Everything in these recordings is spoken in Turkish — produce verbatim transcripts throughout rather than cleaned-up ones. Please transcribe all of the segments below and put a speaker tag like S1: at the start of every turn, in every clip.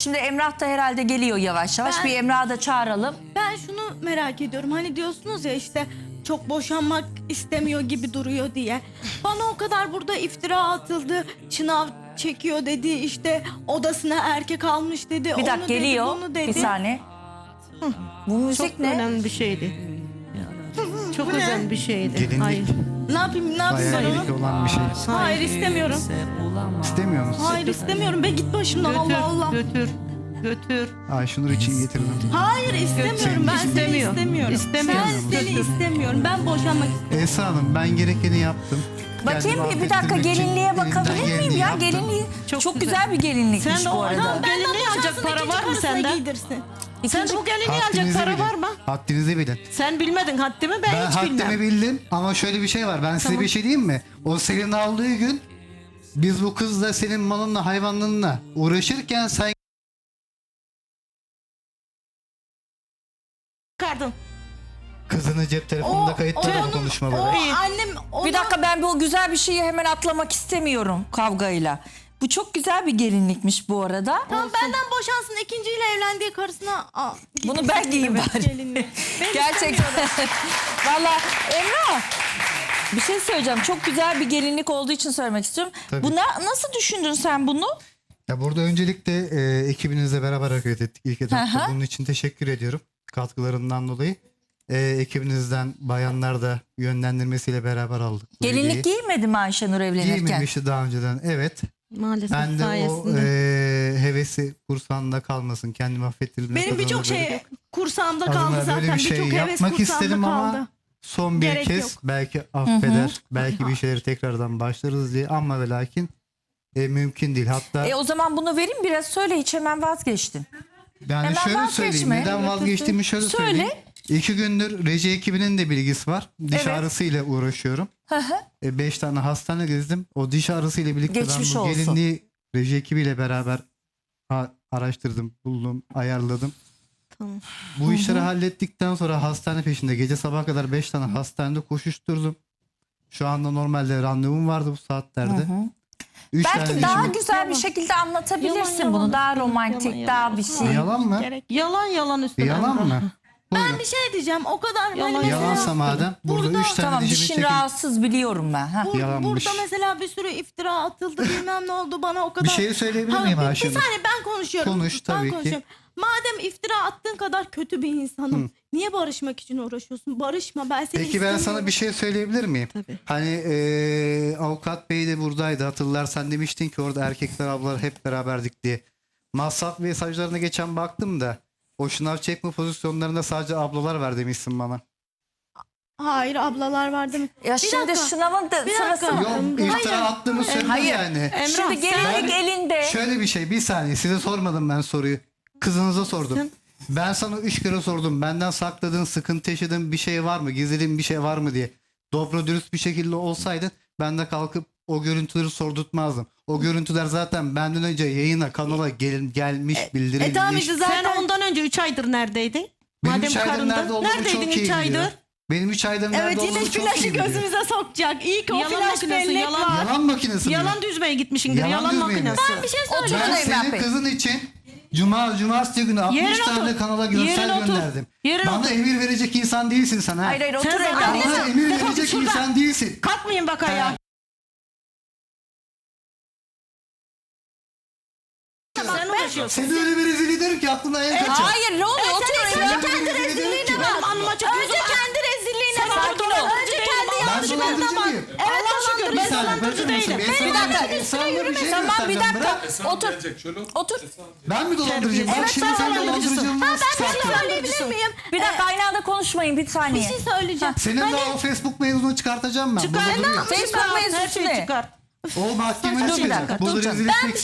S1: Şimdi Emrah da herhalde geliyor yavaş yavaş.
S2: Ben-
S1: Bir Emrah'ı da çağıralım.
S2: Ben şunu merak ediyorum. Hani diyorsunuz ya işte çok boşanmak istemiyor gibi duruyor diye. Bana o kadar burada iftira atıldı. Çınav çekiyor dedi. İşte odasına erkek almış dedi.
S1: Bir dakika
S2: onu
S1: geliyor.
S2: Dedi, bunu
S1: Bir
S2: dedi.
S1: saniye. Bu müzik
S3: Çok
S1: ne?
S3: önemli bir şeydi. Çok
S2: Bu ne?
S3: önemli bir şeydi.
S4: Gelinlik.
S3: Hayır.
S2: Ne yapayım ne yapayım ben
S4: Hayallik
S2: onu?
S4: olan bir şey.
S2: Hayır istemiyorum.
S4: İstemiyor musun?
S2: Hayır istemiyorum. Be git başımdan
S3: Götür,
S2: Allah Allah.
S3: götür, götür.
S4: Ayşenur için getirdim.
S2: Hayır istemiyorum. Ben seni
S3: İstemiyor.
S2: istemiyorum.
S3: İstemiyor.
S2: Ben seni istemiyorum. Ben boşanmak istiyorum.
S4: Esra Hanım ben gerekeni yaptım.
S1: Bakayım
S4: Kendimi
S1: bir, bir dakika
S4: affettirmek için
S1: gelinliğe
S4: elimden
S1: bakabilir
S4: geleni
S1: miyim ya?
S4: yaptım.
S1: Gelinliği çok,
S3: Çok
S1: güzel.
S3: güzel.
S1: bir gelinlikmiş
S3: Sen de
S1: bu
S3: o-
S1: arada.
S3: Tamam, gelinliği
S2: Benden
S3: alacak
S2: boşansın,
S3: para
S2: ikinci
S3: var mı
S2: karısına
S3: sende?
S2: giydirsin.
S3: Sen bu gelinliği alacak
S4: Haddinizi
S3: para
S4: bilin.
S3: var mı?
S4: Haddinizi bilin.
S3: Sen bilmedin haddimi ben,
S4: Ben
S3: hiç
S4: haddimi
S3: bilmem.
S4: bildim ama şöyle bir şey var. Ben size
S3: Tamam.
S4: bir şey diyeyim mi? O senin aldığı gün biz bu kızla senin malınla hayvanlığınla uğraşırken sen
S3: Çıkardın.
S4: kızını cep telefonunda kayıtladın bu konuşmaları.
S2: O
S3: İyi.
S2: annem ona...
S1: Bir dakika ben bu güzel bir şeyi hemen atlamak istemiyorum kavgayla. Bu çok güzel bir gelinlikmiş bu arada.
S2: Tamam benden boşansın, ikinciyle evlendiği karısına... Aa,
S1: Bunu ben giyeyim
S2: Evet,
S1: bari.
S2: gelinliği. Ben
S1: Gerçekten. Valla Emrah bir şey söyleyeceğim. Çok güzel bir gelinlik olduğu için söylemek istiyorum.
S4: Tabii.
S1: Buna nasıl düşündün sen bunu?
S4: Ya burada öncelikle e, ekibinizle beraber hareket ettik ilk etapta.
S1: Hı hı.
S4: Bunun için teşekkür ediyorum katkılarından dolayı. E, ekibinizden bayanlar da yönlendirmesiyle beraber aldık. bu
S1: Gelinlik
S4: hediyeyi.
S1: giymedi mi Ayşenur evlenirken?
S4: Giymemişti daha önceden. Evet.
S3: Maalesef
S4: Ben de o
S3: sayesinde.
S4: e, hevesi kursağında kalmasın. Kendimi affettirdim.
S2: Benim birçok şey kursağımda kaldı
S4: Adına
S2: zaten.
S4: böyle bir şey
S2: Birçok heves
S4: yapmak
S2: kursağımda
S4: istedim ama
S2: kaldı.
S4: son bir
S2: Gerek
S4: kez
S2: yok.
S4: belki affeder. Belki bir şeyleri tekrardan başlarız diye ama ve lakin e, mümkün değil. Hatta
S1: E o zaman bunu vereyim biraz söyle, hiç hemen vazgeçtin.
S4: yani
S1: hemen
S4: şöyle
S1: vazgeçme.
S4: söyleyeyim. Neden vazgeçtiğimi şöyle
S1: Söyle.
S4: söyleyeyim. İki gündür reji ekibinin de bilgisi var. Diş
S1: Evet.
S4: ağrısıyla uğraşıyorum.
S1: Hı hı.
S4: E, beş tane hastane gezdim. O diş ağrısıyla birlikte
S1: Geçmiş
S4: ben bu
S1: olsun.
S4: gelinliği reji ekibiyle beraber ha- araştırdım, buldum, ayarladım.
S3: Tamam.
S4: Bu işleri hallettikten sonra hastane peşinde gece sabaha kadar beş tane hastanede koşuşturdum. Şu anda normalde randevum vardı bu saatlerde. Üç
S1: Belki
S4: tane
S1: daha
S4: dişimi-
S1: güzel bir şekilde anlatabilirsin
S3: Yalan, yalan
S1: bunu. Daha
S3: üstüne,
S1: romantik,
S3: yalan,
S1: daha
S3: yalan.
S1: bir şey.
S4: Yalan mı?
S2: Gerek.
S3: Yalan yalan üstüne.
S4: Yalan mı? Buyurun.
S2: Ben bir şey diyeceğim. O kadar
S3: Yalan,
S2: hani mesela...
S4: Yalansa madem burada,
S2: Burada-
S4: üç tane
S1: Tamam,
S4: dişimi
S1: dişin
S4: çekin.
S1: rahatsız biliyorum ben. Ha.
S2: Bur-
S4: Yalanmış.
S2: Burada mesela bir sürü iftira atıldı, bilmem ne oldu bana o kadar.
S4: Bir şey söyleyebilir
S2: Ha,
S4: miyim
S2: bir, bir
S4: Ayşenur?
S2: saniye ben konuşuyorum.
S4: Konuş,
S2: Ben
S4: tabii ki.
S2: konuşuyorum. Madem iftira attığın kadar kötü bir insanım, niye barışmak için uğraşıyorsun? Barışma, ben seni
S4: Peki ben
S2: istemiyorum.
S4: sana bir şey söyleyebilir miyim?
S3: Tabii.
S4: Hani eee, avukat bey de buradaydı, hatırlarsan demiştin ki orada erkekler ablalar hep beraberdik diye. Masraf mesajlarına geçen baktım da o şınav çekme pozisyonlarında sadece ablalar var demişsin bana.
S2: Hayır, ablalar var değil mi?
S1: Ya
S2: Bir
S1: şimdi
S2: dakika,
S1: sınavın da
S2: bir
S1: sırası
S2: dakika.
S4: Yok iftira attığımı söylüyor
S1: Hayır.
S4: yani.
S3: Emrah,
S1: Şimdi gelinlik
S4: Ben-
S1: elinde.
S4: Şöyle bir şey, bir saniye size sormadım ben soruyu. Kızınıza sordum.
S3: Sen-
S4: Ben sana üç kere sordum. Benden sakladığın, sıkıntı yaşadığın bir şey var mı? Gizlediğin bir şey var mı diye. Dobro dürüst bir şekilde olsaydın ben de kalkıp o görüntüleri sordurtmazdım. O görüntüler zaten benden önce yayına, kanala gel, gelmiş, bildirilmiş.
S2: E tamam işte zaten.
S3: Sen ondan önce üç aydır neredeydin?
S4: Benim
S3: Madem
S4: üç aydır
S3: karındın.
S4: nerede olduğumu
S3: Neredeydin
S4: çok iyi
S3: üç aydır?
S4: biliyor. Benim üç aydır nerede
S2: Evet, yine
S4: olduğumu çok iyi
S2: flaşı
S4: biliyor.
S2: gözümüze sokacak. İyi ki o
S3: Yalan
S2: flaş
S3: makinesi,
S2: bellek
S3: yalan-
S2: var.
S4: Yalan makinesi mi?
S3: Yalan düzmeye gitmişsindir.
S4: Yalan
S3: Yalan,
S4: düzmeye mi?
S3: makinesi.
S2: Ben bir şey
S1: Oturun
S2: söyleyeceğim.
S4: Ben
S1: Emrah
S4: senin
S1: Bey.
S4: kızın için Cuma, Cumartesi günü altmış
S3: Yerine
S4: tane
S3: otur.
S4: kanala görsel
S3: Yerine otur.
S4: gönderdim.
S3: Yerine
S4: Bana
S3: otur.
S4: emir verecek insan değilsin sen ha.
S1: Hayır hayır otur
S3: Sen
S1: Emrah.
S3: zaten-
S4: Bana
S3: Defol
S4: emir
S3: git
S4: verecek
S3: şuradan.
S4: insan değilsin.
S3: Kalkmayın bak ayağa. Sen uğraşıyorsun.
S4: Seni öyle bir rezil ederim ki aklına en kaçar.
S1: Hayır ne oluyor? Otur
S4: Seni
S1: Emrah.
S4: öyle bir rezil ederim ki.
S3: Benim anıma çok
S2: Önce kendi rezilliğine
S3: Sen
S2: bak.
S3: sakin ol.
S2: Önce kendi
S4: Ben
S2: yanlışlarına
S4: dolandırıcı
S2: bak.
S4: mıyım?
S2: Evet,
S3: Allah'a şükür
S4: Bir
S3: ben
S4: saniye,
S3: dolandırıcı
S4: bırakır mısın?
S3: değilim.
S4: Ben
S1: Bir
S4: sana
S1: dakika.
S4: insanlara bir şey
S1: Tamam bir
S4: göstereceğim.
S1: dakika.
S4: Bırak.
S1: Otur. Otur.
S4: Ben mi dolandırıcıyım?
S3: Evet,
S4: Bak şimdi
S3: sen
S4: sen
S3: dolandırıcısın.
S4: dolandırıcılığını
S2: Ben
S4: nasıl
S2: bir şey
S4: çıkartıyorsun?
S2: söyleyebilir miyim?
S1: Bir dakika aynı anda konuşmayın bir
S2: Bir
S1: saniye.
S2: şey söyleyeceğim.
S4: Senin de o Facebook mevzunu çıkartacağım ben.
S3: Çıkar.
S4: Burada duruyor.
S1: Facebook
S3: Çıkar,
S1: mevzusu
S3: her şeyi
S1: ne?
S3: çıkar.
S4: O mahkemeye
S1: Dur bir dakika,
S4: çıkacak.
S1: dur
S4: Burada
S1: canım.
S4: rezil etmek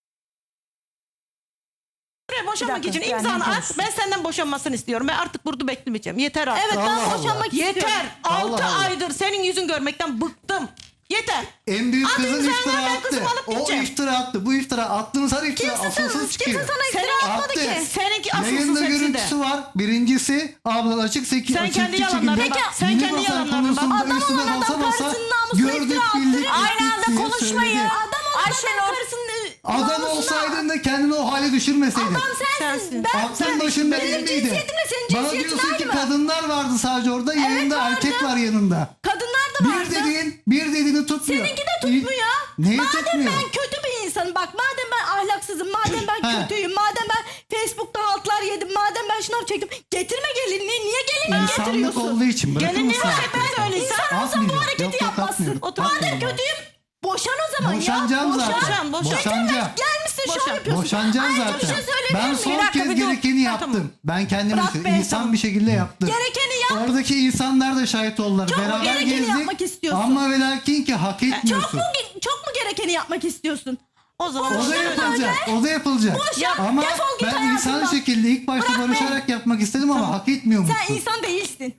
S3: Buraya boşanmak
S1: Bir dakika,
S3: için
S1: yani
S3: imzanı at.
S1: konuşsun.
S3: Ben senden boşanmasını istiyorum. Ben artık burada beklemeyeceğim. Yeter artık.
S2: Evet, ben
S4: Allah Allah.
S2: boşanmak istiyorum.
S3: Yeter.
S4: Allah
S3: Altı
S4: Allah.
S3: aydır senin yüzün görmekten bıktım. Yeter.
S4: En büyük
S3: At
S4: kızın
S3: imzanı,
S4: iftira
S3: ben
S4: attı.
S3: kızımı alıp
S4: O
S3: gideceğim.
S4: iftira attı. Bu iftira attığınız her iftira
S2: Kimse sana,
S4: asılsız çıkıyor.
S2: kimse sana iftira atmadı
S4: Attı.
S2: ki.
S3: Seninki asılsız
S4: Yayında
S3: hepsi de.
S4: görüntüsü var. Birincisi abla açık seki
S3: Sen
S4: açık
S3: kendi
S4: şekilde
S3: yalanlarına bak. Sen
S4: yeni
S3: kendi
S4: basan
S3: yalanlarına bak.
S4: konusunda
S2: Adam
S4: üstüne
S2: olan
S4: basa
S2: adam
S4: basa
S2: karısının namusuna
S4: gördük
S2: iftira attı.
S4: bildik.
S1: Aynı
S4: ettik
S1: anda
S4: diye
S1: konuşmayın.
S4: söyledi.
S2: Adam olan
S1: Ayşenur.
S2: adam karısının
S4: Adam olsaydın da kendini o hale düşürmeseydin.
S2: Adam sensin.
S3: Sensin.
S2: Ben,
S4: Aklın başın
S2: benim
S4: belindeydi.
S2: cinsiyetimle senin
S4: Bana
S2: cinsiyetin
S4: diyorsun
S2: aynı
S4: ki
S2: mı?
S4: kadınlar vardı sadece orada, yanında
S2: vardı.
S4: erkek var yanında.
S2: Kadınlar da vardı.
S4: Bir dediğin, bir dediğini tutmuyor.
S2: Seninki de tutmuyor.
S4: Neyi
S2: madem
S4: tutmuyor?
S2: ben kötü bir insanım, bak madem ben ahlaksızım, madem ben
S4: He.
S2: kötüyüm, madem ben Facebook'ta haltlar yedim, madem ben şınav çektim, getirme gelinliği, niye gelinliği
S4: İnsanlık
S2: getiriyorsun?
S4: olduğu için bırakır
S3: Gelinliği
S4: mısın?
S3: ben söyleyeyim.
S2: İnsan olsa bu
S4: Atmıyorum.
S2: hareketi
S4: Yok, yok,
S2: yapmazsın.
S4: atmıyorum.
S2: Madem
S4: Atmıyorum.
S2: kötüyüm, boşan o zaman
S4: Boşanacağım
S2: ya.
S4: zaten.
S3: Boşan, boşan.
S4: Boşanacağım.
S2: Gelmişsin şov
S3: Boşan.
S2: yapıyorsun.
S4: Boşanacağım
S2: Ayrıca
S4: zaten.
S2: bir şey söyleyebilir
S4: Ben
S2: miyim?
S4: son
S1: Bir dakika,
S4: kez
S1: bir dur.
S4: gerekeni
S3: Ha,
S4: yaptım.
S3: tamam.
S4: Ben kendim
S2: Bırak
S4: için
S2: be,
S4: insan
S2: tamam.
S4: bir şekilde yaptım.
S2: Gerekeni yap.
S4: Oradaki insanlar da şahit oldular.
S2: Çok mu
S4: Beraber
S2: gerekeni
S4: gezdik.
S2: yapmak istiyorsun?
S4: Ama ve lakin ki hak
S2: Çok
S4: etmiyorsun.
S2: mu, çok mu gerekeni yapmak istiyorsun?
S3: O zaman
S4: O da
S3: boşan.
S4: yapılacak. O da yapılacak.
S2: Boşan,
S4: Ama
S2: defol git
S4: ben
S2: hayatımdan.
S4: insan şekilde ilk başta
S2: Bırak be.
S4: barışarak yapmak istedim ama hak etmiyormuşsun.
S2: Sen insan değilsin.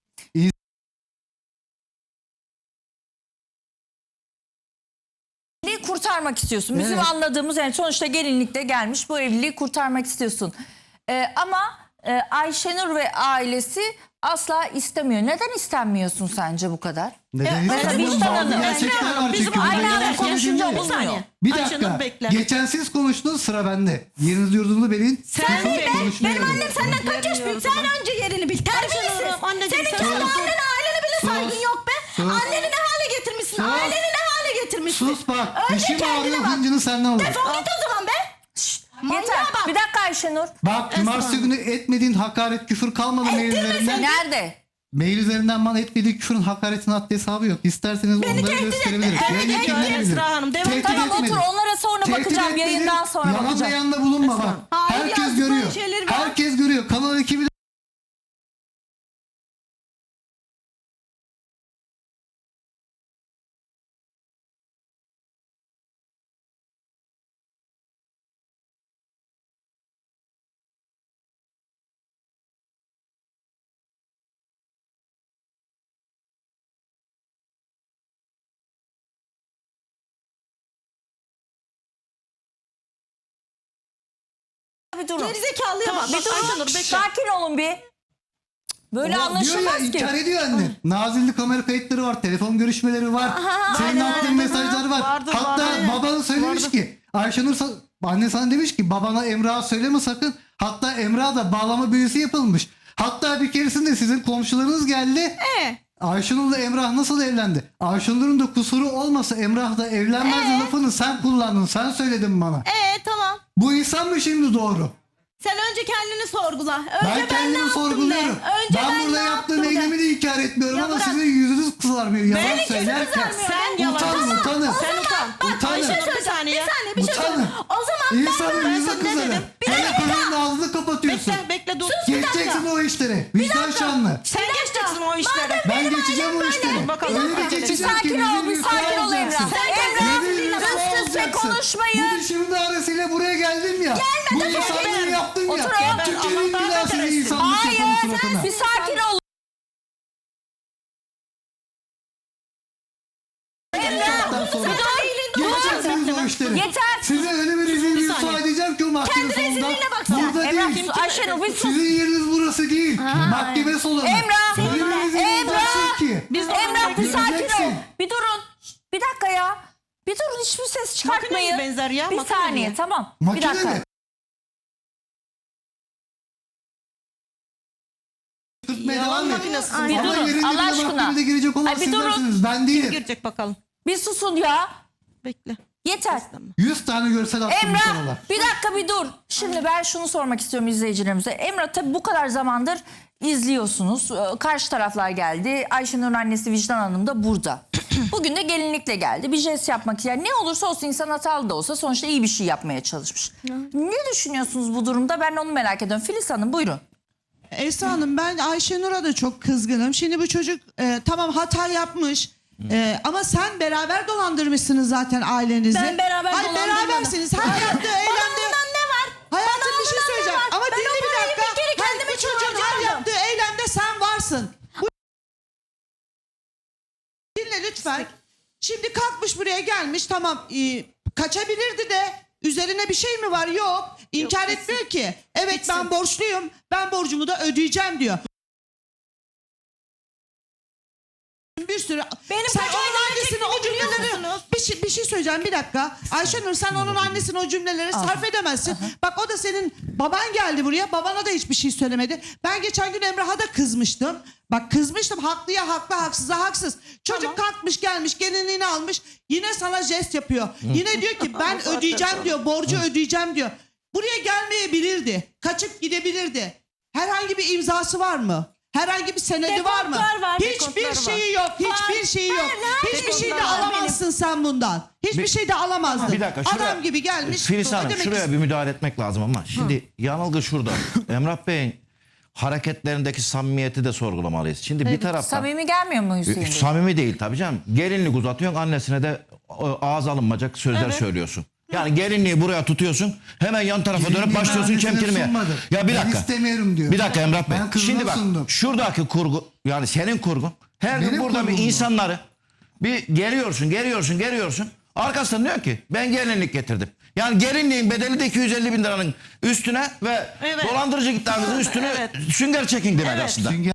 S1: Evliliği kurtarmak istiyorsun. Bizim
S4: Evet.
S1: anladığımız, yani sonuçta gelinlikte gelmiş, bu evliliği kurtarmak istiyorsun. Ee, ama e, Ayşenur ve ailesi asla istemiyor. Neden istenmiyorsun sence bu kadar?
S4: Neden
S1: mesela
S4: istemiyorum?
S1: vicdan
S4: Bazı
S1: hanım.
S4: gerçekler var
S3: Bizim
S4: çünkü.
S1: aynı
S4: Bunları
S1: anda
S4: ben
S1: konuşunca
S4: söylediğim
S1: olmuyor.
S4: değil.
S3: saniye.
S4: Bir
S3: Ayşenur
S4: dakika.
S3: bekle.
S4: Geçen siz konuştunuz, sıra bende. Yeriniz yurdunu belin.
S3: Sen
S4: Susun,
S3: de-
S4: konuşmaya
S2: Benim
S4: verin.
S2: annem senden kaç yaş büyük? Sen önce yerini bil. Terbiyesiz.
S3: Ayşenur, anneciğim,
S2: Senin
S3: sen
S2: kendi
S3: sus.
S2: annene, ailene bile
S4: Sus.
S2: saygın yok be.
S4: Sus.
S2: Anneni ne hale getirmişsin?
S4: Sus.
S2: Aileni ne hale getirmişsin?
S4: Sus bak.
S2: Önce
S4: Dişim
S2: kendine
S4: ağrıyor,
S2: bak.
S4: hıncını senden alırım.
S2: Defol git o zaman be. Manyağa
S1: Yeter.
S2: bak.
S1: Bir dakika Ayşenur.
S4: Bak cumartesi günü etmediğin hakaret, küfür kalmadı mail üzerinden.
S1: Nerede?
S4: Mail üzerinden bana etmediği küfürün hakaretin haddi hesabı yok. İsterseniz onları
S2: tehdit
S4: gösterebilirim.
S2: etme.
S4: Yayın
S2: Evet,
S4: ekibine
S3: Esra Hanım, devam-
S4: Tehdit
S1: Tamam
S4: etmedim.
S1: otur, onlara sonra
S4: Tehdit
S1: bakacağım.
S4: etmedim.
S1: Yayından sonra
S4: Yalan
S1: bakacağım.
S4: beyanda bulunma bak.
S2: Hayır,
S4: Herkes
S2: yazdıkları
S4: görüyor.
S2: şeyleri var.
S4: Herkes görüyor. Kanal ekibi de
S1: Bir durun.
S2: Gerizekalıya
S3: Tamam,
S2: bak.
S3: bak,
S1: Bir durun.
S3: Ayşenur, bekle.
S1: Sakin olun bir. Böyle
S4: O diyor ya,
S1: anlaşılmaz ki.
S4: inkar ediyor anne. Nazilli kamera kayıtları var, telefon görüşmeleri var. Senin
S3: aynen,
S4: attığın
S3: aynen.
S4: mesajlar var.
S3: Vardı,
S4: Hatta
S3: vardı.
S4: babanı söylemiş
S3: Vardı.
S4: ki Ayşenur sa- anne sana demiş ki babana Emrah'a söyleme sakın. Hatta Emrah'a da bağlama büyüsü yapılmış. Hatta bir keresinde sizin komşularınız geldi.
S2: Ee?
S4: Ayşenur'la Emrah nasıl evlendi? Ayşenur'un da kusuru olmasa Emrah da evlenmezdi
S2: Ee?
S4: lafını sen kullandın. Sen söyledin bana.
S2: Ee tamam.
S4: Bu insan mı şimdi doğru?
S2: Sen önce kendini sorgula. Önce
S4: Ben
S2: ne
S4: kendimi
S2: yaptım
S4: sorguluyorum.
S2: de. Önce
S4: Ben,
S2: ben
S4: burada
S2: ne
S4: yaptığım
S2: yaptım de.
S4: eylemi de inkar etmiyorum
S2: Ya
S4: ama
S2: bırak.
S4: sizin yüzünüz kızarmıyor. Yalan
S2: Benim yüzüm
S4: söylerken.
S2: kızarmıyor.
S3: Sen yalan.
S4: Utanın,
S3: Tamam.
S4: utanın.
S3: Sen utan.
S4: Utanın.
S3: Ayşenur bir saniye.
S2: Bir saniye bir şey
S4: Utanın.
S2: söyle. O zaman ben
S4: İnsanın
S3: ben
S4: yüzü
S3: sana ne
S4: kızarır.
S3: dedim?
S2: Bir
S4: Hele
S2: dakika.
S4: kızın ağzını kapatıyorsun.
S3: Bekle, bekle dur.
S4: Geçeceksin o işleri. Vicdan şanlı.
S3: Sen
S2: Bir dakika.
S3: geçeceksin o işlere.
S4: Ben geçeceğim o işleri.
S3: Bakalım.
S4: Öyle bir
S3: Bir
S1: Bir
S4: geçeceğim ki
S1: sakin ol,
S4: yüzün
S1: bir
S4: yüzü
S1: sakin ol
S4: alacaksın.
S1: Emrah.
S2: Sen
S1: Emrah,
S4: Yüzün yüzü
S1: üst üste
S4: alacaksın.
S1: konuşmayın.
S4: Bu dişimin ağrısıyla buraya geldim ya. Bu insanları yaptın
S1: Otur
S4: ya.
S1: oğlum.
S4: Türkiye'nin
S3: Allah
S4: bir daha seni
S3: kahretsin.
S4: insanlık yapalım
S1: Hayır,
S4: suratına.
S1: bir sakin ol.
S4: Saatten sonra. Geçeceksiniz o işleri.
S1: Yeter.
S4: Size öyle bir rezil
S3: Bir
S4: rüsva
S3: saniye.
S4: edeceğim ki o mahkeme
S2: Kendi
S4: salonunda.
S2: rezilliğine baksana.
S4: Burada
S1: Emrah,
S4: değil.
S1: Ayşenur bir sus.
S4: Sizin yeriniz burası değil. Mahkeme salonu.
S1: Emrah,
S4: Öyle bir rezil
S1: Emrah.
S4: olacaksın ki.
S3: Biz de
S1: Emrah bir sakin ol.
S4: Göreceksin.
S1: Bir durun. Bir dakika ya. Bir durun, hiçbir ses çıkartmayın.
S3: Makineye benzer ya,
S1: Bir
S3: makineye.
S1: saniye, tamam. Bir
S4: Makine
S1: dakika.
S4: mi? Tutmaya
S3: Yalan
S4: devam et.
S3: makinesi.
S1: Bir
S4: Ama
S1: durun,
S4: yerinde
S1: Allah
S4: bile
S1: aşkına.
S4: mahkemede girecek olan
S1: Ay, bir durun.
S4: sizlersiniz. Ben değilim.
S3: Girecek bakalım.
S1: Bir susun ya.
S3: Bekle.
S1: Yeter.
S4: Yüz tane görsel attım bu
S1: Emrah
S4: kanala.
S1: bir dakika bir dur. Şimdi ben şunu sormak istiyorum izleyicilerimize. Emrah tabii bu kadar zamandır izliyorsunuz. Ee, Karşı taraflar geldi. Ayşenur'un annesi Vicdan Hanım da burada. Bugün de gelinlikle geldi. Bir jest yapmak yani ne olursa olsun, insan hatalı da olsa sonuçta iyi bir şey yapmaya çalışmış. Ne düşünüyorsunuz bu durumda? Ben onu merak ediyorum. Filiz Hanım buyurun.
S5: Esra Hanım, ben Ayşenur'a da çok kızgınım. Şimdi bu çocuk e, tamam hata yapmış. E, ama sen beraber dolandırmışsınız zaten ailenizi.
S2: Ben beraber
S5: Hayır,
S2: dolandırmadım.
S5: berabersiniz. Her yaptığı eylemde...
S2: ondan ne var?
S5: Hayatım
S2: Bana
S5: bir şey
S2: ondan ne
S5: söyleyeceğim.
S2: var?
S5: Ama
S2: Ben
S5: dinle
S2: o
S5: bir
S2: parayı
S5: dakika.
S2: bir kere
S5: Hayır,
S2: kendime
S5: bu çocuğun her
S2: çıkardım.
S5: yaptığı eylemde sen varsın. Bu... Dinle lütfen. Şimdi kalkmış buraya gelmiş, tamam e, kaçabilirdi de üzerine bir şey mi var? Yok. İnkar etmiyor ki. Evet ben borçluyum. Ben borcumu da ödeyeceğim diyor. yapıyorsun bir sürü.
S2: Benim
S5: sen
S2: kaç
S5: onun
S2: aydan
S5: annesinin
S2: çektiğimi
S5: o
S2: biliyor
S5: cümleleri
S2: musunuz?
S5: bir şey, bir şey söyleyeceğim bir dakika. Ayşenur sen onun annesinin o cümleleri sarf edemezsin. Bak o da senin baban geldi buraya, babana da hiçbir şey söylemedi. Ben geçen gün Emrah'a da kızmıştım. Bak kızmıştım, haklıya haklı, haksıza haksız. Çocuk kalkmış gelmiş, gelinliğini almış, yine sana jest yapıyor. Yine diyor ki ben ödeyeceğim diyor, borcu ödeyeceğim diyor. Buraya gelmeyebilirdi, kaçıp gidebilirdi. Herhangi bir imzası var mı? Herhangi bir senedi var mı?
S2: Dekontlar var,
S5: Hiçbir
S2: dekontları var.
S5: şeyi yok, hiçbir
S2: Var.
S5: şeyi yok.
S2: Her- her
S5: Hiçbir şey de
S2: dekontlar var
S5: alamazsın sen bundan. Hiçbir
S6: Bir-
S5: şey de alamazdın.
S6: Bir dakika şuraya,
S5: Adam gibi gelmiş.
S6: Filiz Hanım
S5: ödemek
S6: şuraya
S5: istiyor.
S6: bir müdahale etmek lazım ama şimdi yanılgı şurada. Emrah Bey'in hareketlerindeki samimiyeti de sorgulamalıyız. Şimdi bir taraftan
S1: Samimi gelmiyor mu Hüseyin Bey?
S6: samimi değil tabii canım. Gelinlik uzatıyorsun, annesine de e, ağız alınmayacak sözler söylüyorsun. Yani gelinliği buraya tutuyorsun, hemen yan tarafa dönüp
S4: Gelinliği
S6: başlıyorsun
S4: annesine
S6: çemkirmeye.
S4: sunmadı.
S6: Ya bir
S4: Ben
S6: dakika.
S4: istemiyorum diyor.
S6: Bir dakika Emrah Bey.
S4: Ben kızına
S6: Şimdi bak
S4: sundum.
S6: şuradaki kurgu, yani senin kurgun. Her gün
S4: Benim
S6: burada bir
S4: kurgum bu.
S6: insanları bir geliyorsun, geliyorsun, geliyorsun. Arkasından diyor ki ben gelinlik getirdim. Yani gelinliğin bedeli de iki yüz elli bin liranın üstüne ve
S3: Evet.
S6: dolandırıcı iddianızın üstüne
S3: Evet.
S6: sünger çekin demek
S3: Evet.
S6: aslında.
S4: Sünger-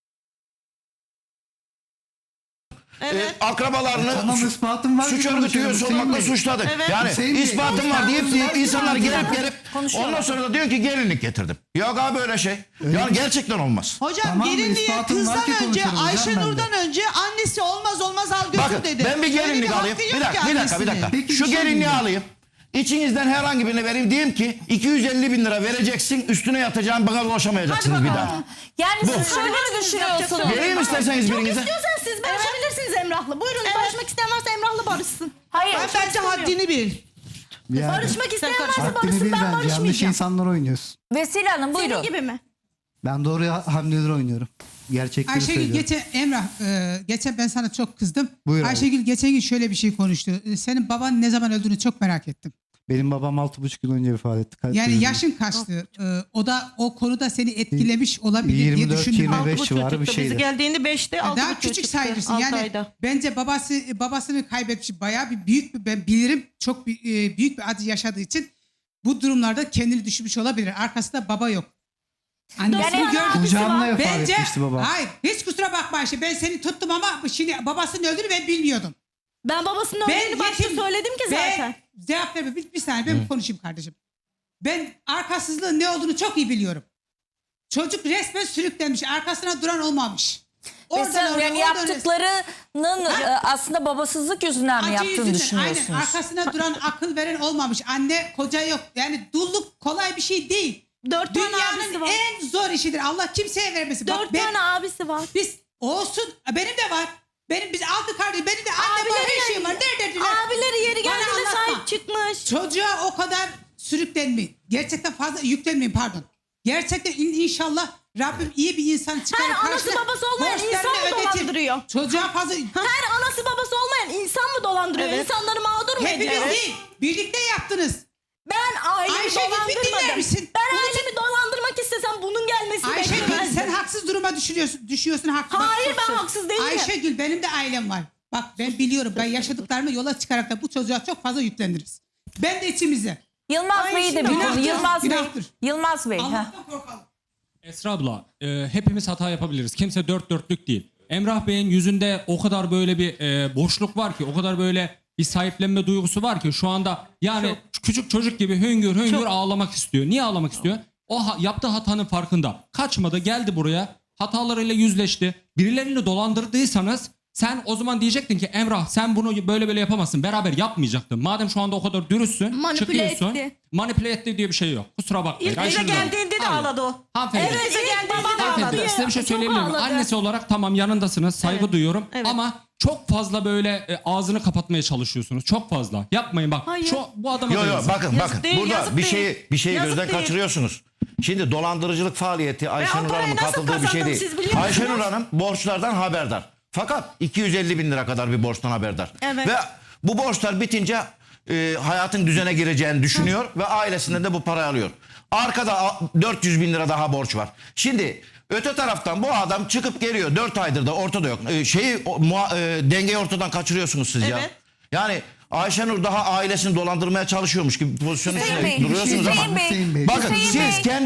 S3: Evet.
S6: Ee, akrabalarını
S4: Tamam,
S6: su-
S4: ispatım var
S6: suç
S4: ki
S6: örgütü
S4: konuşuyorum,
S6: üyesi
S4: Hüseyin
S6: olmakla
S4: Bey.
S6: suçladık.
S3: Evet.
S6: Yani
S4: Hüseyin Bey.
S6: ispatım var deyip deyip insanlar gelip gelip
S1: Konuşuyorlar.
S6: ondan sonra da diyor ki gelinlik getirdim. Yok abi öyle şey. Yani gerçekten olmaz.
S5: Hocam
S4: Tamam mı?
S5: gelinliğe
S4: İspatım var ki
S5: kızdan önce
S4: konuşurum hocam
S5: Ayşenur'dan
S4: ben
S5: önce annesi olmaz olmaz al götür
S6: Bakın
S5: dedi.
S6: ben bir
S5: Öyle
S6: gelinlik
S5: hakkı
S6: alayım.
S5: yok
S6: Bir
S5: ki
S6: dakika, bir dakika, bir
S5: annesinin.
S6: dakika.
S4: Peki, bir
S6: Şu
S4: şey
S6: gelinliği
S4: diyeyim.
S6: alayım. İçinizden herhangi birine vereyim. Diyeyim ki iki yüz elli bin lira vereceksin. Üstüne yatacağım. Bana ulaşamayacaksınız bir daha.
S1: Yani siz şöyle mi düşünüyorsunuz?
S6: Vereyim isterseniz
S2: Çok
S6: birinize.
S2: istiyorsanız siz barışabilirsiniz Emrah'la. Buyurun barışmak isteyen varsa Emrah'la barışsın.
S1: Hayır.
S5: Ben bence haddini bil.
S4: Yani,
S2: Barışmak isteyen varsa
S4: haddini
S2: barışsın,
S4: bil
S2: ben
S4: bence. Yanlış
S2: barışmayacağım.
S4: insanlar oynuyorsun.
S1: Vesile Hanım buyurun.
S2: Senin gibi mi?
S4: Ben doğru hamleler oynuyorum. Gerçekleri
S7: Ayşegül
S4: söylüyorum.
S7: geçen Emrah e, geçen ben sana çok kızdım.
S4: Buyur abi.
S7: Ayşegül geçen gün şöyle bir şey konuştu. E, Senin baban ne zaman öldüğünü çok merak ettim.
S4: Benim babam altı buçuk yıl önce vefat etti. Kalp
S7: Yani
S4: krizi.
S7: yaşın kaçtı. E, o da o konuda seni etkilemiş olabilir
S4: yirmi
S7: diye
S4: dört
S7: düşündüm.
S4: yirmi beş
S3: Altı
S4: civarı bir
S3: buçukta bizi
S4: şeydi.
S3: geldiğinde beşte altı
S7: Daha
S3: buçuk
S7: küçük
S3: çıktı,
S7: sayılırsın.
S3: altı
S7: Yani
S3: ayda.
S7: bence babası babasını kaybetmiş bayağı bir büyük bir ben bilirim çok bir, e, büyük bir acı yaşadığı için bu durumlarda kendini düşürmüş olabilir. Arkasında baba yok. Annesini
S1: Yani
S7: gördü.
S4: Kucağımda vefat
S7: Bence
S4: etmişti babam.
S7: hayır hiç kusura bakma Ayşe ben seni tuttum ama şimdi babasının öldüğünü ben bilmiyordum.
S2: Ben babasının
S7: Ben
S2: öldüğünü başta
S7: yetim
S2: söyledim ki zaten.
S7: Ve cevap verme bir, bir saniye ben konuşayım kardeşim. Ben arkasızlığın ne olduğunu çok iyi biliyorum. Çocuk resmen sürüklenmiş. Arkasına duran olmamış.
S1: Vesile Hanım yani
S7: oradan oraya.
S1: yaptıklarının e, aslında babasızlık yüzünden mi
S7: Acı
S1: yaptığını
S7: yüzünden,
S1: düşünüyorsunuz?
S7: Aynen arkasına duran akıl veren olmamış. Anne koca yok. Yani dulluk kolay bir şey değil.
S2: Dört tane abisi
S7: Dünyanın
S2: var.
S7: en zor işidir. Allah kimseye vermesin. Bak
S2: Dört
S7: ben-
S2: tane abisi var.
S7: Biz olsun. Benim de var. Benim biz altı kardeş. Benim de anne var. Her şeyim var. Nerededirler?
S2: Abileri yeri
S7: Bana
S2: geldiğinde
S7: anlatma.
S2: sahip çıkmış.
S7: Çocuğa o kadar sürüklenmeyin. Gerçekten fazla yüklenmeyin pardon. Gerçekten in- inşallah Rabbim iyi bir insan çıkarır.
S2: Her anası
S7: karşına
S2: babası olmayan
S7: borçlarını
S2: insan mı
S7: ödetir.
S2: dolandırıyor?
S7: Çocuğa fazla...
S2: Her anası babası olmayan insan mı dolandırıyor?
S3: Evet.
S2: İnsanları mağdur mu
S7: Hepiniz
S2: ediyor?
S7: değil. Birlikte yaptınız.
S2: Ben ailemi
S7: Ayşegül, bir dinler
S2: dolandırmadım.
S7: misin?
S2: Ben
S7: Bunu-
S2: ailemi dolandırmak istesem bunun gelmesini
S7: Ayşegül
S2: beklemezdim.
S7: sen haksız duruma düşürüyorsun. Düşüyorsun haksız.
S2: Hayır ben haksız değilim.
S7: Ayşegül benim de ailem var. Bak ben biliyorum. Ben yaşadıklarımı yola çıkarak da bu çocuğa çok fazla yükleniriz. Ben de içimize.
S1: Yılmaz Bey'i de bir
S7: Günahtır,
S1: konu. Yılmaz Bey.
S7: günahtır.
S1: Yılmaz Bey. heh.
S7: Allah'tan korkalım.
S8: Esra abla, e, hepimiz hata yapabiliriz. Kimse dört dörtlük değil. Emrah Bey'in yüzünde o kadar böyle bir e, boşluk var ki, o kadar böyle bir sahiplenme duygusu var ki şu anda yani küçük çocuk gibi hüngür hüngür ağlamak istiyor. Niye ağlamak istiyor? O ha- yaptığı hatanın farkında. Kaçmadı, geldi buraya, hatalarıyla yüzleşti. Birilerini dolandırdıysanız sen o zaman diyecektin ki Emrah sen bunu böyle böyle yapamazsın. Beraber yapmayacaktın. Madem şu anda o kadar dürüstsün,
S2: Manipüle
S8: çıkıyorsun.
S2: etti.
S8: Manipüle etti diye bir şey yok. Kusura bakmayın.
S3: İlk bize
S8: Ayşenur Hanım.
S3: geldiğinde de
S8: Hayır.
S3: ağladı o.
S8: Hanımefendi.
S2: Evet,
S3: Bize
S2: ilk
S3: geldiğinde
S2: babam
S3: de
S2: ağladı.
S8: Hanımefendi,
S3: ağladı.
S8: size bir şey
S2: Çok
S8: söyleyebilir miyim?
S2: ağladı.
S8: Annesi olarak tamam yanındasınız, saygı
S3: Evet.
S8: duyuyorum
S3: Evet.
S8: ama çok fazla böyle e, ağzını kapatmaya çalışıyorsunuz. Çok fazla. Yapmayın bak.
S2: Hayır.
S8: Şu bu adama
S6: Yok
S8: da
S6: yok
S8: yazık.
S6: bakın
S3: Yazık
S6: bakın.
S3: değil,
S6: Burada
S3: yazık
S6: bir
S3: değil.
S6: şeyi bir şeyi
S3: Yazık
S6: gözden
S3: değil.
S6: kaçırıyorsunuz. Şimdi dolandırıcılık faaliyeti Ayşenur
S3: parayı
S6: Hanım'ın
S3: nasıl
S6: katıldığı bir şey
S3: kazandım
S6: değil.
S3: siz biliyor musunuz?
S6: Ayşenur Hanım borçlardan haberdar. Fakat iki yüz elli bin lira kadar bir borçtan haberdar.
S3: Evet.
S6: Ve bu borçlar bitince e, hayatın düzene gireceğini düşünüyor ve ailesinden de bu parayı alıyor. Arkada a- dört yüz bin lira daha borç var. Şimdi öte taraftan bu adam çıkıp geliyor. dört aydır da ortada yok. E, şeyi o, muha- e, dengeyi ortadan kaçırıyorsunuz siz ya.
S3: Evet.
S6: Yani Ayşenur daha ailesini dolandırmaya çalışıyormuş gibi bir pozisyonun
S1: Hüseyin
S6: içinde
S1: Bey,
S6: duruyorsunuz
S1: Hüseyin
S6: ama.
S1: Bey,
S4: Hüseyin Bey.
S6: Bakın
S1: Hüseyin
S6: siz
S1: Bey.
S6: kendi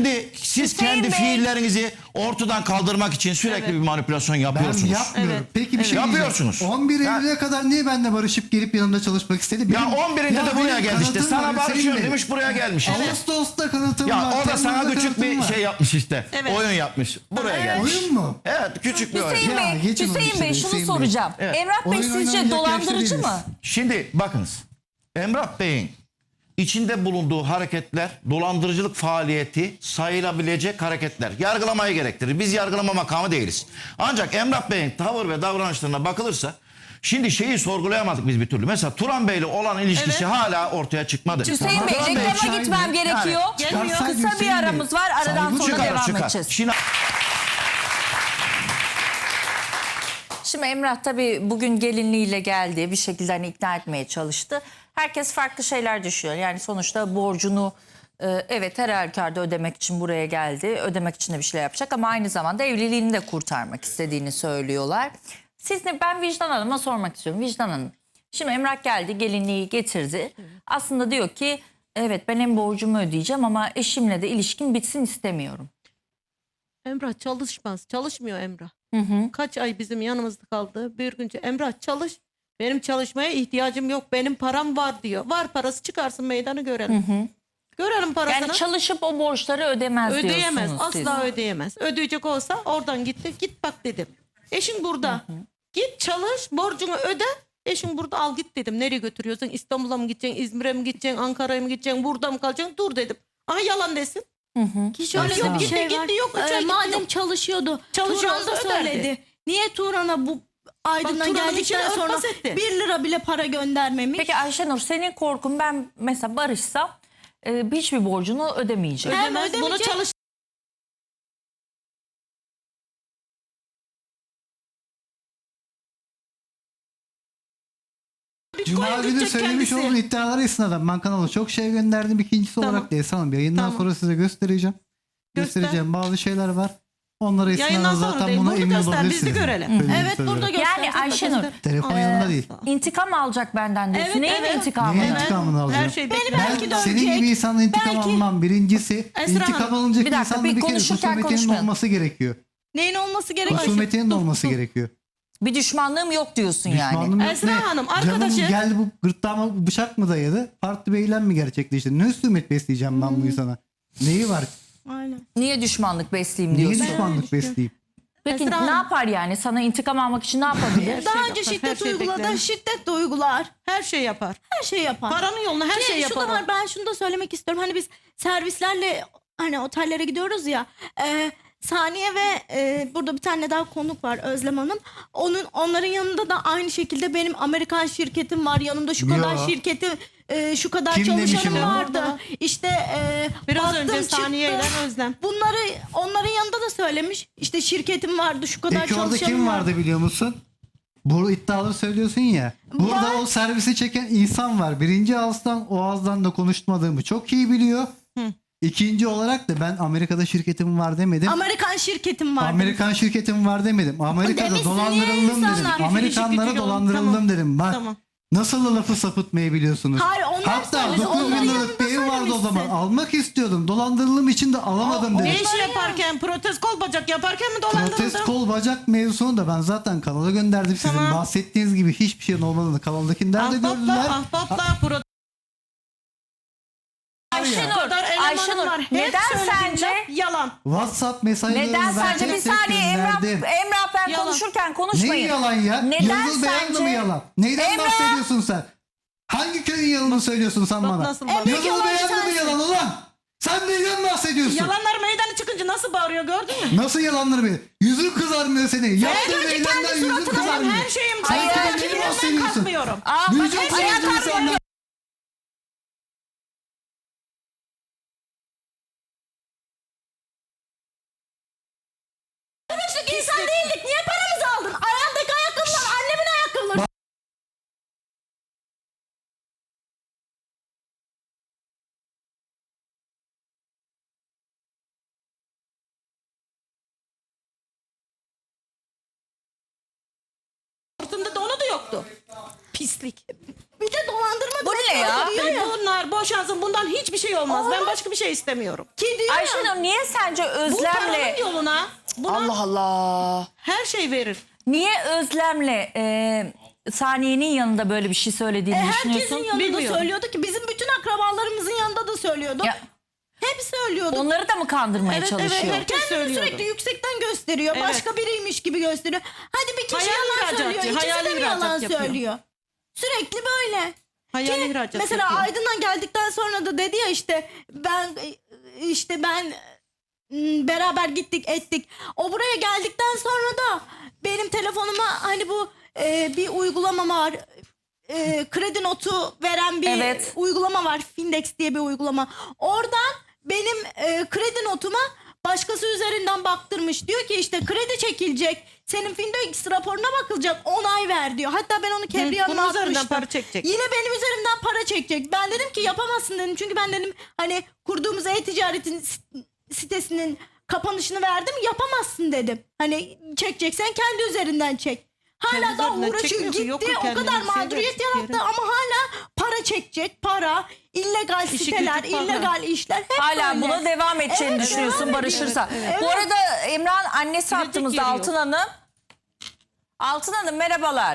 S6: Siz
S1: Hüseyin
S6: kendi
S1: Bey-
S6: fiillerinizi ortadan kaldırmak için sürekli bir manipülasyon
S4: Ben
S6: yapıyorsunuz.
S4: yapmıyorum.
S3: Evet.
S4: Peki bir şey diyeceğim.
S6: Yapıyorsunuz.
S4: on bir
S6: Ya-
S4: Eylül'e kadar niye benimle barışıp gelip yanımda çalışmak istedi?
S6: Ya
S4: Benim-
S6: on birinde
S4: Ya
S6: de buraya
S4: benim
S6: geldi işte.
S4: kanıtım
S6: Sana
S4: var Hüseyin
S6: barışıyorum
S4: Bey.
S6: demiş, buraya gelmiş işte.
S4: Ağustos'ta kanıtım
S6: Ya
S4: var.
S6: o da sana
S4: Temmuz'da
S6: küçük
S4: kanıtım
S6: bir
S4: var.
S6: şey yapmış işte.
S3: Evet.
S6: Oyun yapmış. Buraya gelmiş.
S4: Oyun mu?
S6: Evet, küçük bir oyun.
S1: Hüseyin
S4: Ya,
S1: Bey,
S4: geçin onu
S1: Hüseyin
S4: işte,
S1: Bey şunu
S4: Hüseyin Bey.
S1: soracağım.
S6: Evet.
S1: Emrah Bey
S4: Oyun
S1: sizce
S4: oynanacak
S1: dolandırıcı
S4: yaşta
S1: mı?
S4: değiliz.
S6: Şimdi bakınız. Emrah Bey'in içinde bulunduğu hareketler dolandırıcılık faaliyeti sayılabilecek hareketler. Yargılamayı gerektirir. Biz yargılama makamı değiliz. Ancak Emrah Bey'in tavır ve davranışlarına bakılırsa şimdi şeyi sorgulayamadık biz bir türlü. Mesela Turan Bey'le olan ilişkisi
S3: Evet.
S6: hala ortaya çıkmadı.
S1: Hüseyin Bey,
S4: Turan Bey,
S1: reklama
S4: şahin
S1: gitmem
S4: mi?
S1: gerekiyor.
S3: Gelmiyor.
S4: Çıkarsak
S1: Kısa bir
S4: Hüseyin Bey,
S1: aramız var. Aradan
S4: saygı
S1: sonra
S4: çıkar,
S1: devam
S6: çıkar.
S1: edeceğiz.
S6: Şimdi
S1: Şimdi Emrah tabii bugün gelinliğiyle geldi. Bir şekilde hani ikna etmeye çalıştı. Herkes farklı şeyler düşünüyor. Yani sonuçta borcunu e, evet her halükarda ödemek için buraya geldi. Ödemek için de bir şeyler yapacak ama aynı zamanda evliliğini de kurtarmak istediğini söylüyorlar. Siz ne, ben Vicdan Hanım'a sormak istiyorum. Vicdan Hanım, şimdi Emrah geldi, gelinliği getirdi. Aslında diyor ki evet ben hem borcumu ödeyeceğim ama eşimle de ilişkim bitsin istemiyorum.
S3: Emrah çalışmaz. Çalışmıyor Emrah. Kaç ay bizim yanımızda kaldı. Bir günce Emrah çalış. Benim çalışmaya ihtiyacım yok. Benim param var diyor. Var parası, çıkarsın meydanı görelim. Görelim parasını.
S1: Yani çalışıp o borçları ödemez
S3: Ödeyemez.
S1: diyorsunuz siz.
S3: Asla ödeyemez. Ödeyecek olsa oradan gitti. Git bak dedim. Eşin burada. Git çalış, borcunu öde. Eşin burada, al git dedim. Nereye götürüyorsun? İstanbul'a mı gideceksin? İzmir'e mi gideceksin? Ankara'ya mı gideceksin? Burada mı kalacaksın? Dur dedim. Aha yalan desin.
S2: Ki şöyle
S3: Yok,
S2: bir
S3: gitti,
S2: şey var.
S3: gitti, yok, üç
S2: Ee,
S3: ay gitti,
S2: madem
S3: yok.
S2: çalışıyordu.
S3: Çalışıyorsa
S2: Turan da
S3: öderdi.
S2: söyledi. Niye Turan'a bu Aydın'dan
S3: Bak, Turan'ın
S2: geldikten
S3: içine
S2: sonra
S3: örtbas etti.
S2: bir lira bile para göndermemiş?
S1: Peki Ayşenur, senin korkun ben mesela barışsam e, hiçbir borcunu ödemeyeceğim.
S2: Hem
S3: Ödemez. Bunu
S2: ödemeyecek-
S3: çalış.
S4: Cuma
S3: Bitcoin
S4: günü
S3: gidecek
S4: söylemiş
S3: kendisi.
S4: olduğum iddialara istinaden ben kanala çok şey gönderdim. İkincisi
S3: Tamam.
S4: olarak da Esra Hanım yayından
S3: Tamam.
S4: sonra size göstereceğim.
S3: Göster.
S4: Göstereceğim bazı şeyler var. Onlara
S3: Yayından
S4: istinaden
S3: sonra
S4: zaten
S3: değil,
S4: buna
S3: burada
S4: emin
S3: göster, biz de
S4: olabilirsiniz.
S3: görelim.
S4: Söyleyeyim,
S2: Evet,
S4: söylüyorum.
S2: burada göster.
S1: Yani Ayşenur,
S4: Telefon
S3: Aa,
S4: yanında değil.
S1: İntikam alacak benden diyorsun.
S2: Evet,
S1: Neyin
S2: evet.
S1: intikamını?
S4: Neyin
S3: Evet.
S4: intikamını alacağım?
S3: Her şey
S2: Beni
S3: bekler.
S2: belki
S4: Ben
S2: de
S4: senin
S2: ölecek.
S4: gibi insanla intikam
S2: Belki-
S4: almam. Birincisi
S3: Esra
S4: intikam
S3: Hanım,
S4: alınacak
S1: bir dakika,
S4: insanın
S1: bir
S4: bir kere
S1: konuşurken
S4: husumetinin
S1: konuşmayalım.
S4: olması gerekiyor.
S2: Neyin olması gerekiyor?
S4: Husumetinin olması gerekiyor.
S1: Bir düşmanlığım yok diyorsun yani.
S4: Düşmanlığım yok.
S3: Esra
S4: Ne?
S3: Hanım,
S4: Canım
S3: arkadaşı-
S4: geldi bu gırtlağıma bıçak mı dayadı? Farklı bir eylem mi gerçekleşti? Ne husumet besleyeceğim ben bu insana? Neyi var?
S2: Aynen.
S1: Niye düşmanlık besleyeyim
S4: Niye
S1: diyorsun?
S4: düşmanlık besleyeyim?
S1: Peki
S3: Esra
S1: ne
S3: Hanım.
S1: yapar yani? Sana intikam almak için ne yapabilir?
S2: Daha
S3: şey
S2: önce
S3: yapar, her
S2: şiddet
S3: şey
S2: uyguladı.
S3: beklenir.
S2: Şiddet de uygular.
S3: Her şey yapar.
S2: Her şey yapar.
S3: Paranın yoluna her
S2: Ki
S3: şey
S2: şu da
S3: yapar.
S2: var, ben şunu da söylemek istiyorum. Hani biz servislerle hani otellere gidiyoruz ya. E, Saniye ve e, burada bir tane daha konuk var, Özlem Hanım. Onun onların yanında da aynı şekilde benim Amerikan şirketim var. Yanımda şu
S4: Yo.
S2: kadar şirketim, e, şu kadar
S4: Kim demiş
S2: çalışanım
S4: onu?
S2: vardı. İşte e,
S3: Biraz
S2: baktım,
S3: önce
S2: çıktı.
S3: Saniye ile Özlem.
S2: Bunları onların yanında da söylemiş. İşte şirketim vardı, şu kadar
S4: Peki orada
S2: çalışanım
S4: kim
S2: vardı.
S4: vardı biliyor musun? Bu iddiaları söylüyorsun ya. Burada
S2: Var.
S4: o servisi çeken insan var. Birinci ağızdan o ağızdan da konuşmadığımı çok iyi biliyor. İkinci olarak da ben Amerika'da şirketim var demedim.
S2: Amerikan şirketim vardı.
S4: Amerikan şirketim var demedim. Amerika'da
S2: Demişsin, niye
S4: dolandırıldım dedim.
S2: insanlar gücü
S4: Amerikanlara
S3: gücü
S4: dolandırıldım
S3: Tamam.
S4: dedim. Bak
S3: Tamam.
S4: nasıl da lafı sapıtmayı biliyorsunuz.
S2: Hayır, onlar
S4: Hatta
S2: söyledi,
S4: dokuz bin
S2: onların
S4: liralık
S2: yanında
S4: bir ev vardı o zaman.
S2: söylemişsin.
S4: Almak istiyordum. Dolandırıldığım için de alamadım
S2: O-
S4: dedim.
S3: Ne işi yaparken, protez kol bacak yaparken mi dolandırıldı?
S4: Protest kol bacak mevzusunu da ben zaten kanala gönderdim. Sizin
S3: Tamam.
S4: bahsettiğiniz gibi hiçbir şeyin olmadığını kanaldakiler de gördüler.
S3: Ahbapla, ahbapla, protez.
S1: Ayşenur,
S3: kadar elemanım
S1: Ayşenur
S3: var. Hep
S1: neden
S3: söylediğim
S1: sence
S3: laf yalan.
S4: WhatsApp mesajlarını
S1: neden
S4: ben
S1: sence
S4: tek
S1: bir
S4: tek
S1: saniye Emrah,
S4: gönderdim.
S1: Emrah ben
S3: Yalan.
S1: konuşurken konuşmayın.
S4: Neyi yalan ya?
S1: Neden
S4: Yıldız Beyan'da
S1: sence?
S4: mı yalan? Neyden
S1: Emrah!
S4: bahsediyorsun sen? Hangi köyün yalanını söylüyorsun sen
S3: bak
S4: bana?
S3: nasıl bak.
S4: Yıldız
S2: yalan
S4: Beyan'da mı
S2: sensin.
S4: yalan ulan? Sen neyden bahsediyorsun?
S3: Yalanlar meydana çıkınca nasıl bağırıyor gördün mü?
S4: Nasıl yalanları bir? Yüzün kızarmıyor senin. Yaptığın
S3: önce
S4: eylemden
S3: kendi
S4: yüzün
S3: suratına bak,
S4: kızarmıyor.
S3: her şeyim
S4: Sen
S3: Hayır,
S4: kendine
S3: kimden
S4: mi bahsediyorsun?
S3: kalkmıyorum.
S1: Aa, bak,
S4: Vücut
S1: ayağa
S4: sayıcı
S1: kalkmıyor.
S4: insanlar.
S2: Konuştuk, insan değildik. Niye paramızı aldın? Ayağındaki ayakkabılar annemin ayakkabıları.
S3: Sırtında donu da yoktu.
S2: pislik. Bir de dolandırma.
S1: Bu ne ya?
S2: Diyor ya.
S3: Bunlar boşansın, bundan hiçbir şey olmaz. Ben başka bir şey istemiyorum.
S2: Ki diyor ya.
S1: Ayşenur niye sence
S3: Bu paranın
S1: Özlem'le...
S3: yoluna buna
S1: Allah Allah.
S3: her şey verir.
S1: Niye Özlem'le e, Saniye'nin yanında böyle bir şey söylediğini
S2: E, herkesin
S1: düşünüyorsun?
S2: yanında
S3: Bilmiyorum.
S2: söylüyordu ki bizim bütün akrabalarımızın yanında da söylüyordu.
S1: Ya,
S2: Hep söylüyordu.
S1: onları da mı kandırmaya
S3: Evet, evet,
S1: çalışıyor?
S3: herkes
S2: Kendini
S3: söylüyordu.
S2: sürekli yüksekten gösteriyor.
S3: Evet.
S2: Başka biriymiş gibi gösteriyor. Hadi bir kişi
S3: Hayali
S2: yalan
S3: ihracatçı,
S2: söylüyor. İkisi
S3: hayali
S2: de mi
S3: ihracat
S2: yalan
S3: yapıyor.
S2: söylüyor? Sürekli böyle.
S3: Hayali
S2: Ki
S3: ihracat
S2: mesela
S3: yapıyor.
S2: Aydın'dan geldikten sonra da dedi ya işte ben işte ben m, beraber gittik ettik. O buraya geldikten sonra da benim telefonuma hani bu e, bir uygulama var. E, kredi notu veren bir
S1: Evet.
S2: uygulama var. Findex diye bir uygulama. Oradan benim e, kredi notuma başkası üzerinden baktırmış. Diyor ki işte kredi çekilecek. Senin Findex raporuna bakılacak. Onay ver diyor. Hatta ben onu Kebriye
S3: bunun
S2: Hanım'a
S3: üzerinden
S2: atmıştım.
S3: para çekecek.
S2: Yine benim üzerimden para çekecek. Ben dedim ki yapamazsın dedim. Çünkü ben dedim hani kurduğumuz e-ticaretin sit- sitesinin kapanışını verdim. Yapamazsın dedim. Hani çekeceksen kendi üzerinden çek. Hala
S3: Kendi
S2: da
S3: üzerinden
S2: uğraşıyor.
S3: çekmiyor ki,
S2: Gitti
S3: yok ki
S2: o
S3: kendinin
S2: kadar
S3: bir şey
S2: mağduriyet
S3: yok,
S2: yarattı
S3: yeri.
S2: ama hala para çekecek. Para, illegal
S3: İşi
S2: siteler,
S3: gücü para.
S2: illegal işler hep
S1: Hala
S2: böyle.
S1: buna devam edeceğini
S2: Evet,
S1: düşünüyorsun
S2: devam
S1: barışırsa.
S2: ediyor. Evet,
S1: Bu
S2: evet.
S1: arada Emrah'ın annesi
S3: Gidecek
S1: hattımızda
S3: yeri yok.
S1: Altın Hanım. Altın Hanım merhabalar.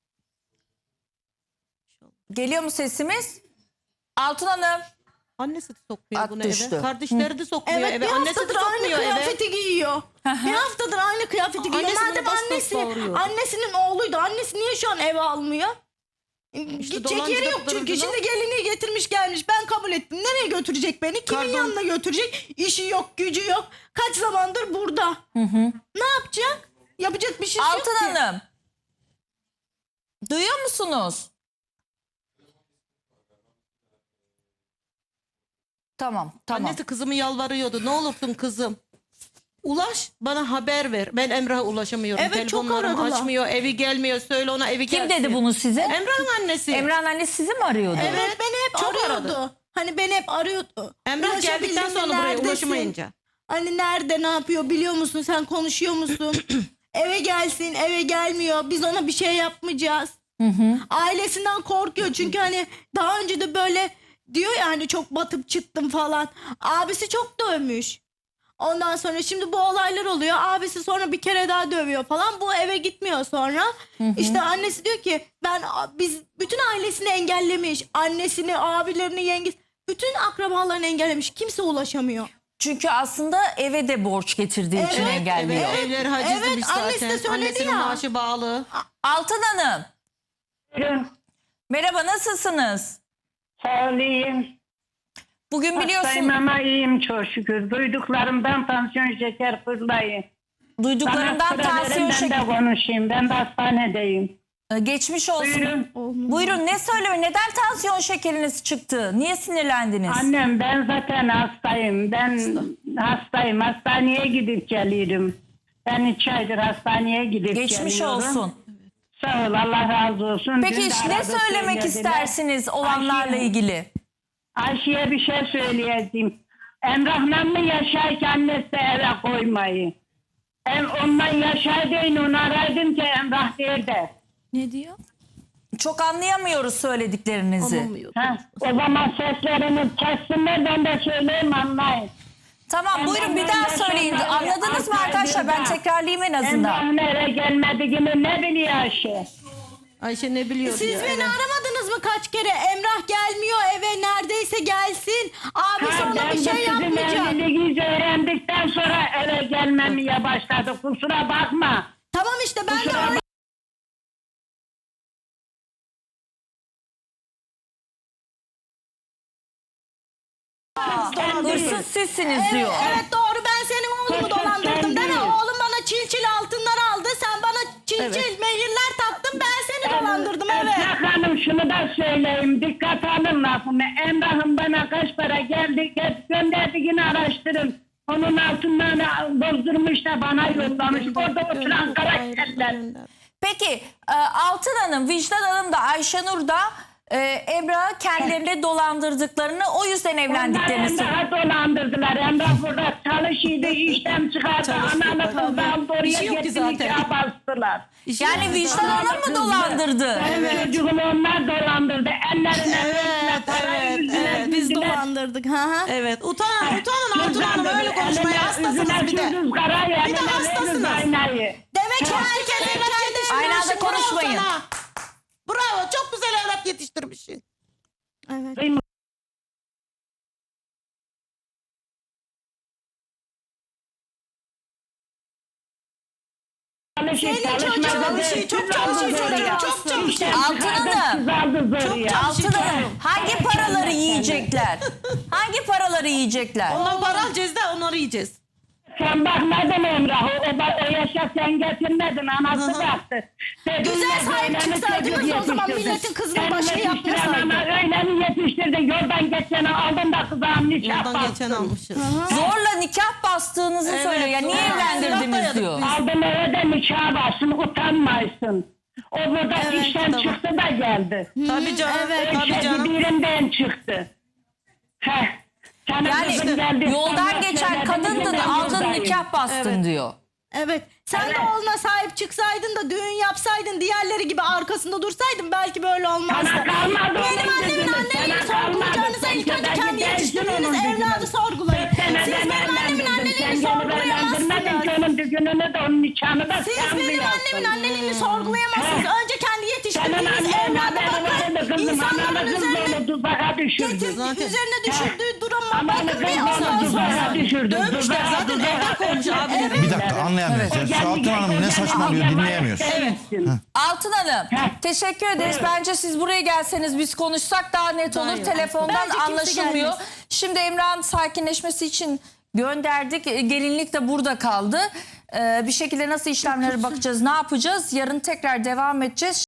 S1: Geliyor mu sesimiz? Altın Hanım.
S3: Annesi de sokmuyor
S1: At
S3: bunu
S1: düştü.
S3: eve. Kardeşleri de sokmuyor
S2: Evet
S3: eve.
S2: bir
S3: Annesi de
S2: haftadır aynı
S3: sokmuyor eve.
S2: kıyafeti giyiyor. bir haftadır aynı kıyafeti giyiyor.
S3: Annesi
S2: Madem
S3: bunu bastı
S2: annesi,
S3: doğuruyordu.
S2: annesinin oğluydu. Annesi niye şu an eve almıyor? Gidecek
S3: dolancı
S2: yeri
S3: da
S2: yok çünkü.
S3: durduğunu-
S2: Şimdi gelini getirmiş gelmiş. Ben kabul ettim. Nereye götürecek beni? Kimin
S3: Pardon.
S2: yanına götürecek? İşi yok, gücü yok. Kaç zamandır burada. Ne yapacak? Yapacak bir şey yok
S1: Altın
S2: ki.
S1: Hanım. Duyuyor musunuz? Tamam, tamam.
S3: Annesi kızımı yalvarıyordu. Ne olursun kızım. Ulaş bana haber ver. Ben Emrah'a ulaşamıyorum.
S2: Evet, çok
S3: Telefonlarım
S2: aradılar.
S3: açmıyor. Evi gelmiyor. Söyle ona evi
S1: Kim
S3: gelsin.
S1: dedi bunu size?
S3: Emrah'ın annesi.
S1: Emrah'ın annesi sizi mi arıyordu?
S2: Evet, beni hep
S3: Çok
S2: arıyordu.
S3: aradı.
S2: Hani beni hep arıyordu.
S3: Emrah
S2: Ulaşabildin
S3: geldikten
S2: mi?
S3: sonra buraya
S2: Neredesin?
S3: ulaşamayınca.
S2: Hani nerede ne yapıyor biliyor musun? Sen konuşuyor musun? Eve gelsin, eve gelmiyor. Biz ona bir şey yapmayacağız. Ailesinden korkuyor çünkü hani daha önce de böyle diyor ya hani çok batıp çıktım falan. Abisi çok dövmüş. Ondan sonra şimdi bu olaylar oluyor. Abisi sonra bir kere daha dövüyor falan. Bu eve gitmiyor sonra. İşte annesi diyor ki ben biz bütün ailesini engellemiş. Annesini, abilerini, yengesi bütün akrabalarını engellemiş. Kimse ulaşamıyor.
S1: Çünkü aslında eve de borç getirdiği için
S2: Evet,
S1: engelliyor.
S3: Evet, evleri hacizlemiş
S2: Evet,
S3: zaten.
S2: annesi de söyledi
S3: Annesinin
S2: ya.
S3: maaşı bağlı.
S1: Altın Hanım.
S9: Buyurun.
S1: Merhaba, nasılsınız?
S9: Sağ olayım.
S1: Bugün biliyorsun
S9: Hastayım ama iyiyim çok şükür. Duyduklarımdan tansiyon şeker fırlayın.
S1: duyduklarından
S9: Bana sıra verin,
S1: tansiyon
S9: ben
S1: şeker...
S9: de konuşayım. Ben de hastanedeyim.
S1: Ee, Geçmiş olsun.
S9: Buyurun.
S1: Buyurun, ne söyleme? Neden tansiyon şekeriniz çıktı? Niye sinirlendiniz?
S9: Annem ben zaten hastayım. Ben hastayım. Hastaneye gidip geliyorum. Ben üç aydır hastaneye gidip
S1: Geçmiş
S9: geliyorum.
S1: olsun.
S9: Sağ ol, Allah razı olsun.
S1: Peki
S9: Dün de
S1: ne
S9: aradı,
S1: söylemek
S9: söylediler.
S1: istersiniz olanlarla
S9: Ayşe-
S1: ilgili?
S9: Ayşe'ye bir şey söyleyeceğim. Emrah'la mı yaşayken annesi de eve koymayı? Em, ondan yaşaydın onu araydım ki Emrah nerede?
S2: Ne diyor?
S1: Çok anlayamıyoruz söylediklerinizi.
S3: Anlamıyor.
S9: Ha, o zaman seslerini kessinler ben de söyleyeyim anlayın.
S1: Tamam, buyurun bir
S9: Ben
S1: daha
S9: yaşamayı
S1: söyleyin. Anladınız mı
S9: altı
S1: arkadaşlar? Ben
S9: aydır da
S1: tekrarlayayım en azından.
S9: Emrah'ın eve gelmediğini ne biliyor Ayşe?
S3: Ayşe ne biliyor
S2: Siz
S3: diyor.
S2: beni
S3: Evet.
S2: aramadınız mı kaç kere? Emrah gelmiyor eve neredeyse gelsin. Abi
S9: Ha,
S2: sonra
S9: ben
S2: bir
S9: de
S2: şey
S9: sizin
S2: yapmayacak.
S9: evliliğinizi öğrendikten sonra eve gelmemeye başladı. Kusura bakma.
S2: Tamam işte ben de
S9: Kusura
S2: öyle.
S1: Hırsız sizsiniz
S2: Evet,
S1: diyor.
S2: evet doğru ben senin oğlumu
S9: Hırsız
S2: dolandırdım değil mi?
S9: sen değil.
S2: Oğlum bana çil çil altınlar aldı. Sen bana çil çil mehirler taktın. Ben seni dolandırdım evet.
S9: Esra Hanım şunu da söyleyeyim. Dikkat alın lafımı. Emrah'ın bana kaç para geldi gö- gönderdiğini araştırın. Onun altından bozdurmuş da bana yollamış. Orada oturan karakterler.
S1: Peki e, Altın Hanım, Vicdan Hanım da Ayşenur da e, Emrah'ı kendilerine dolandırdıklarını, o yüzden evlendiklerini
S9: Onlar
S1: söylüyor.
S9: Emrah'ı dolandırdılar. Emrah burada çalışıyordu, işten çıkardı. Analı kızdı, aldı
S3: Bir
S9: oraya
S3: şey yok ki
S9: getti,
S3: zaten.
S9: nikah bastılar.
S1: Yani vicdan Hanım mı dolandırdı?
S9: Evet. Çocuğumu onlar dolandırdı. Ellerine
S3: Evet, evet, evet.
S2: Biz dolandırdık. Ha ha.
S3: Evet. Utanın, utanın Altun Hanım öyle konuşmaya hastasınız bir de. Bir de hastasınız.
S2: Demek ki
S3: Herkes
S2: herkes
S3: evlat yetiştirmişsin.
S1: Aynı anda
S3: Bravo
S1: konuşmayın.
S3: sana. Bravo. Çok güzel evlat yetiştirmişsin.
S2: Evet.
S9: Senin çocuğun
S3: çalışıyor, çok çalışıyor çocuğun, çok çalışıyor.
S1: Altın Hanım.
S9: Çok
S1: Altın Hanım, hangi paraları yiyecekler? Hangi paraları yiyecekler?
S3: Ondan para alacağız da onları yiyeceğiz.
S9: Sen bakmadın Emrah. O, o, o yaşa sen getirmedin. Anası baktı.
S2: Güzel sahip çıksaydınız o zaman milletin kızının başını yapmasaydı.
S9: Ama öyle mi yetiştirdin? Yoldan geçeni aldın da kızağım nikah
S3: Yoldan geçen
S9: bastın.
S3: almışız.
S1: Zorla nikah bastığınızı
S3: Evet,
S1: söylüyor. Ya niye
S3: zorla.
S1: evlendirdiniz
S3: Silah
S1: diyor.
S3: dayadık
S9: Aldın eve de nikah bastın. Utanmaysın. O burada
S3: Evet,
S9: işten
S3: tamam.
S9: çıktı da geldi.
S3: Tabii canım.
S2: evet,
S3: Tabii
S9: Şey,
S3: canım.
S9: birinden çıktı. Heh. Senin
S1: Yani
S9: kızın geldi,
S1: yoldan
S9: sana
S1: geçen
S9: söyledi,
S1: kadındın,
S9: ben
S1: aldın
S9: buradayım.
S1: nikah bastın
S3: Evet.
S1: diyor.
S2: Evet. Sen
S9: Evet.
S2: de oğluna sahip çıksaydın da düğün yapsaydın, diğerleri gibi arkasında dursaydın belki böyle olmazdı.
S9: Sana kalmadı
S2: Benim
S9: onun
S2: annemin
S9: gözünde,
S2: anneliğini
S9: sana
S2: sorgulayacağınıza
S9: kalmadı.
S2: ilk önce
S9: Sen
S2: kendi
S9: gidersin
S2: yetiştirdiğiniz
S9: onun gözüne.
S2: evladı sorgulayın.
S9: Sen
S2: Siz benim annemin anneliğini sorgulayamazsınız.
S9: Onun düğününü de onun nikahını da
S2: Siz
S9: sen
S2: benim
S9: biliyorsun.
S2: annemin anneliğini sorgulayamazsınız.
S9: He.
S2: Önce kendi
S9: Senin
S2: yetiştirdiğiniz
S9: annen
S2: evlada
S9: adamı
S2: bakın.
S9: kızım,
S2: İnsanların
S9: analı kız
S2: üzerine
S9: onu tuzağa düşürdü.
S2: getir,
S3: Zaten.
S2: üzerine düşürdüğü duruma
S9: Analı
S2: bakın
S9: kız
S2: bir
S9: onu
S2: ondan
S9: tuzağa
S2: sonra.
S9: düşürdü.
S3: Dövmüşler
S9: Tuzağa,
S3: zaten,
S9: tuzağa.
S3: evden kovmuş abi.
S6: Bir dakika anlayamıyoruz. Ya. Şu Altun Hanım ne saçmalıyor dinleyemiyoruz.
S9: Evet.
S1: Altın Hanım,
S9: Heh.
S1: teşekkür ederiz. Bence siz buraya gelseniz, biz konuşsak daha net olur.
S3: Hayır.
S1: Telefondan
S2: Bence kimse
S1: anlaşılmıyor.
S2: gelmez.
S1: Şimdi Emrah'ın sakinleşmesi için gönderdik. E, Gelinlik de burada kaldı. Ee, bir şekilde nasıl işlemlere bakacağız, ne yapacağız? Yarın tekrar devam edeceğiz.